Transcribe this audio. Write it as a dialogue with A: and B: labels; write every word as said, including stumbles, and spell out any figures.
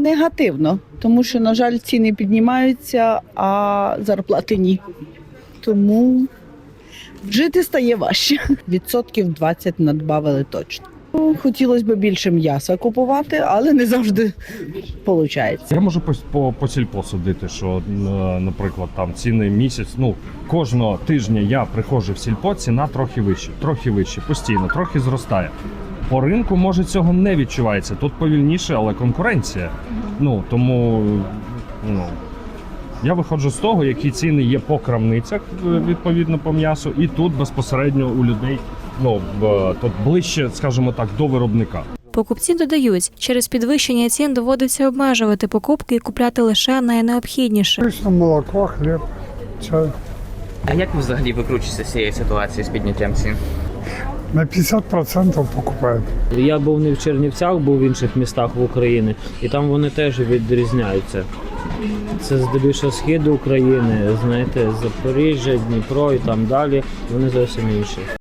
A: Негативно, тому що, на жаль, ціни піднімаються, а зарплати ні. Тому жити стає важче. Відсотків двадцять надбавили точно. Ну, хотілося б більше м'яса купувати, але не завжди виходить.
B: Я можу по, по, по сільпо судити, що, наприклад, там ціни місяць, ну, кожного тижня я приходжу в сільпо, ціна трохи вища, трохи вища, постійно, трохи зростає. По ринку, може, цього не відчувається. Тут повільніше, але конкуренція. Ну, тому, ну, я виходжу з того, які ціни є по крамницях, відповідно, по м'ясу, і тут безпосередньо у людей, ну, тут ближче, скажімо так, до виробника.
C: Покупці додають, через підвищення цін доводиться обмежувати покупки і купляти лише найнеобхідніше.
D: Звісно, молоко, хліб, чай.
E: А як ви взагалі викручуєтеся з цієї ситуації з підняттям цін?
D: На п'ятдесят відсотків покупаємо.
F: Я був не в Чернівцях, був в інших містах в Україні, і там вони теж відрізняються. Це здебільшого схід України, знаєте, Запоріжжя, Дніпро і там далі, вони зовсім інші.